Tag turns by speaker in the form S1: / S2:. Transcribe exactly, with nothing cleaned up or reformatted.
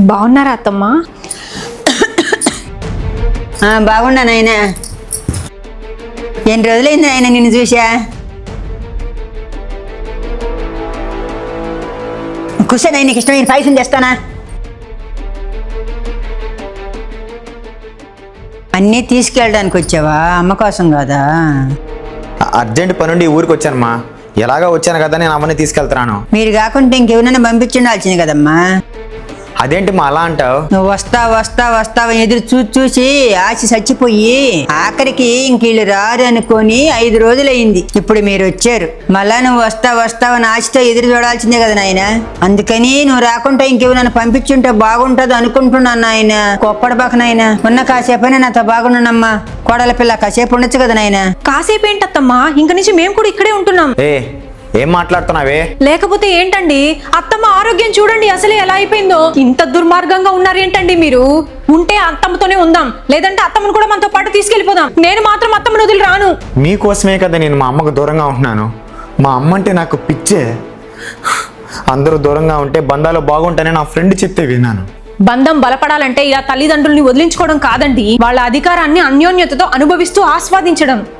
S1: బాగున్నారా అత్తమ్మ?
S2: బాగున్నా నాయన. ఎన్ని రోజులైంది నాయన నిన్ను చూసా. కూర్చొని నీకు ఇష్టమైన పాయసం చేస్తానా? అన్నీ తీసుకెళ్ళడానికి వచ్చావా? అమ్మ కోసం కాదా?
S3: అర్జెంట్ పనుండి ఊరికి వచ్చానమ్మా. ఎలాగా వచ్చాను కదా నేను అవన్నీ తీసుకెళ్తున్నాను.
S2: మీరు కాకుంటే ఇంకెవరైనా పంపించుండాల్సింది కదమ్మా.
S3: అదేంటి మా అలా అంటావు?
S2: నువ్వు వస్తా వస్తా వస్తావు ఎదురు చూసి చూసి ఆశ చచ్చిపోయి ఆఖరికి ఇంక వీళ్ళు రారు అనుకొని ఐదు రోజులైంది. ఇప్పుడు మీరు వచ్చారు. మళ్ళా నువ్వు వస్తా వస్తావని ఆశతో ఎదురు చూడాల్సిందే కదా నాయన. అందుకని నువ్వు రాకుంటే ఇంకెవరైనా పంపించుంటే బాగుంటది అనుకుంటున్నాను నాయన. కొప్పడబాక నాయన. ఉన్న కాసేపైనా నాతో బాగున్నానమ్మా. కోడల పిల్ల కాసేపు ఉండొచ్చు కదా నాయన.
S1: కాసేపు ఏంటత్తమ్మా, ఇంక నుంచి మేము కూడా ఇక్కడే ఉంటున్నాం.
S3: ఏ ఏం మాట్లాడుతున్నావే?
S1: లేకపోతే ఏంటండి, అత్తమ్మ ఆరోగ్యం చూడండి అసలే ఎలా అయిపోయిందో. ఇంత దుర్మార్గంగా ఉన్నారేంటండి మీరు? ఉంటే అత్తమ్మతోనే ఉందాం, లేదంటే అత్తమ్మను కూడా మనతో పాటు తీసుకెళ్లిపోదాం. నేను మాత్రం అత్తమ్మను వదిలి రాను.
S3: మీకోసమే కదా నేను మా అమ్మకు దూరంగా ఉంటున్నాను. మా అమ్మ అంటే నాకు పిచ్చే. అందరూ దూరంగా ఉంటే బంధాలు బాగుంటాయని నా ఫ్రెండ్ చెప్తే విన్నాను.
S1: బంధం బలపడాలంటే ఇలా తల్లిదండ్రుల్ని వదిలించుకోవడం కాదండి, వాళ్ళ అధికారాన్ని అన్యోన్యతతో అనుభవిస్తూ ఆస్వాదించడం.